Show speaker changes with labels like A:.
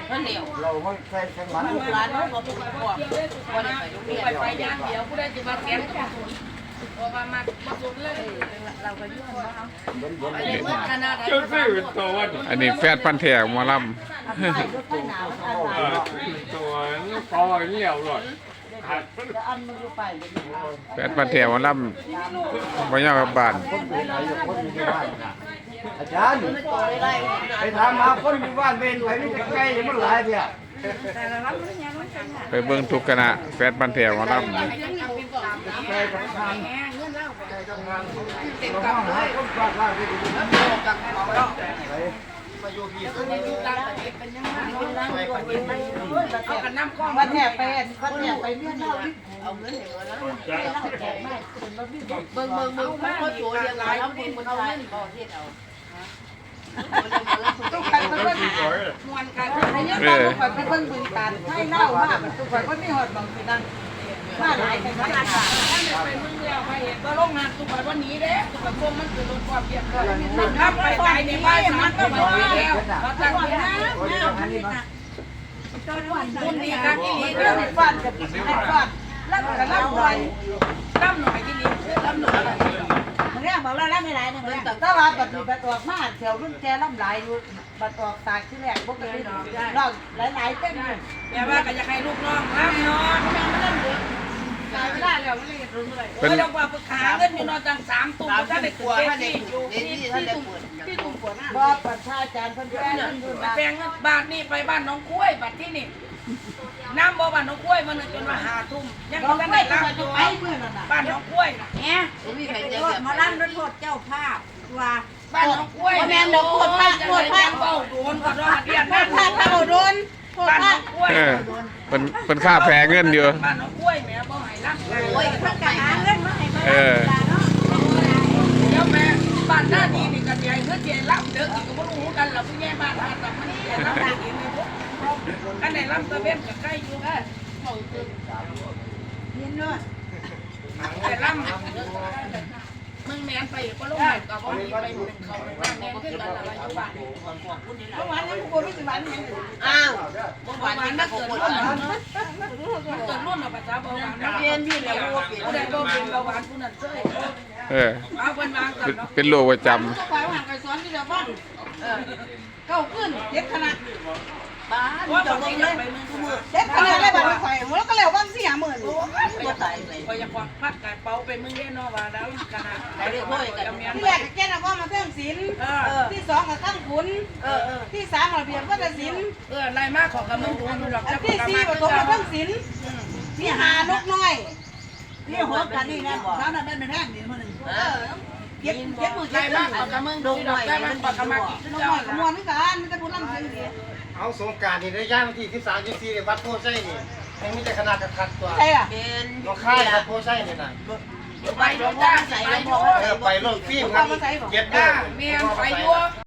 A: มันเหนียว
B: เราไม่ใช่แค่มัน
A: ลูกหลานเขาบอกว่าไปย่างเดียวผู้ได้จะมาแกงกับศูนย์พอมาศูนย์เลยเราก็ยื่นว่าเอาไปเลยเมื่อขนาดไหน
C: เจ้าซื้อตัววัน
D: อันนี้แฟดพันธุ์แท้หมอล
C: ตัวนี้พอเลี้ยวเลยขาด
D: ำแฟดพันธุ์แท้หมอลำบ่ยาวกับบ้าน
B: คนอยู่ไหนอยู่คนอยู่บ้านอาจารย์ไปถามหาคนอยู่บ้านเป็นไหนนี่จะใกล้ยังมันหลายเดียว
D: ไปเบิ่งทุกคณะแฟดพันธุ์แท้หมอลำ
B: ใกล้กับงานใกล้กับงานเราต้องหาคนฝากล่างที่ดีมาอยู่พี่ก็ไม่อยู่ตั้งแต่เป็นยังไง
A: เอากันน้ำก้อน
E: วันแถบไปวันแถบไปเมียนเล่าดิ
A: เอาเงินเหลือแล้วเบิ่งมันก็ตัวเดียวกันแล้วคนมันเอาเงินบ่เฮ็ดเอา
E: ต้องไปเพิ่นมวนกันไอ้ยังต้องไปเพิ่นบึงการให้เล่าว่ามันต้องไปเพิ่นมีฮอดบางสินั่นมาหลายกันมาหลายกัน
A: ไปมึงแล้วไปเห็นก็ลงงานตุกไปวันนี้เด้ตุกไปพวกมันคือรถความเพียรเลยถ้าไปตายในบ้านมันก็ไม่ไหวแล้วเราตั้งนะคุณดีครับที่นี่
E: เรื่องฟันกับฟันแล้วก็ล่ำหน่อย
A: ตั้มหน่อยที่นี่ตั้มหน่อย
E: มันเรื่องบอกเราล่ำไม่หลายนึงแต่ว่าบัดนี้บัดออกมาแถวรุ่นแกล่ำหลายอยู่บัดออกตากที่แรกบ่เคยลองหลายๆเต้นเลย
A: แม่ว่าก็อยากให้ลูกน้องรับนอนแม่ไม่ได้เด็กตายไม่ได้แล้วไม่ได้รู้เลยไม่ต้องว่าปรึกษาเงินอยู่นอนจัง3ตุ่มถ้าได้กลัวถ้าได้อยู่ที่ตุ่มปวด
E: บ่ประชาจารย์เพิ่นแป้งเพิ่นอยู่
A: แปลงบาทนี่ไปบ้านน้องกล้วยบัดที่นี่น้ำบ่บ้านน้องกล้วยมันจนมา5 ทุ่มยัง
E: บ่
A: ไม่
E: ได้
A: ได้
E: ไป
A: รับอยู่
E: ไปเมื่อนั้นน่ะ
A: บ้านน้องกล้วยน่ะ
E: เนี่ยมาลั่นรถโทษเจ้าภาพว่า
A: บ้านน้องกล้วยแม่นโคตรพระโคตรพระเบาโดนก็รอเรียน
E: โทษพระถ้าโดนโทษ
A: บ้าน
E: พระ
A: น้องกล้วย
D: เป็นค่าแพงเงินอยู่
A: บ้านน้องกล้วยแม่บ่ให้รับงาน
E: โอ้ยพระกะหาเงินมาให้มา
D: เออ
A: เดี๋ยวแม่บ้านหน้านี้นี่ก็สิให้เงินเดือนรับเด้ออีกก็บ่รู้กันล่ะผู้ใหญ่บ้านหาแต่มันเดือนรับเองนี่บ่อันไหนรับตะเวนก็ใกล้อยู่อ่ะ
E: เห็นเนาะ
A: แต่รับมึงแม่นไปก็ลงมาก็บ่มีไปหนึ่งเขาบ้านแม่นคือกันล่ะว่าอยู่บ้าน
E: เมื่อวานนั้นกูบ่มีสิวันยัง
A: อ้าวเมื่อวานมันเกิดรุ่นเนาะเกิดรุ่นเอาภาษาเบาหวานเปลี่ยนอยู่แล้วผู้ใดบ่เป็นเบาหวานผู้นั้นเซ้ย เอาเพิ่นวางกันเนาะ
D: เป็นโรคประจ
E: ก็ไปว่าไปสอนที่เดียวบ้านเก้าขึ้นเจ็ดคณะ
A: บ้านว่าบ่ได้ไปเมืองทุกมื้อ
E: เจ็ดคณะได้บัตรไฟแล้วก็แล้วบ้าง4-50,000
A: บ่ตายเลยก็อยากควักพัดกายเป๋าไปเมืองเด้เนาะว่าแล้วขนาดได้เรียกพ่อยกัน
E: ที่แรกแกน่ะว่ามาเพิ่มศีลที่2ก็ขั้นขุนที่3ระเบียบวัฒนศิลป์
A: ไล่มาของกับมึงดูอยู่หรอก
E: ที่4ประถมมาเพิ่มศีลที่5นกน้อยที่6กันนี่นะบ่ถ้านั้นเป็นแท่งนี่มื้อนึงเก็บมือ
A: ไล่
E: เก็บ
A: มาของกับมึงดูหรอกได้มันปากกามากิน
E: น้
A: เจ้า
E: อยขมวนเหมือนกันมันจะพูดล่ำเสียงดี
B: เอาสงการนี่ได้ย่างที่13 14เนี่ยวัดโพไส้นี่ยังมีแต่ขนาดคัดตัว
E: ใช่อ่ะ
B: น้องค่ายวัดโพไส้นี่น่ะ
A: ไปโดนจ้าใส่ไปโย
B: ไปโลกฟิล์มครับเก็บได้
A: เมียนไปโย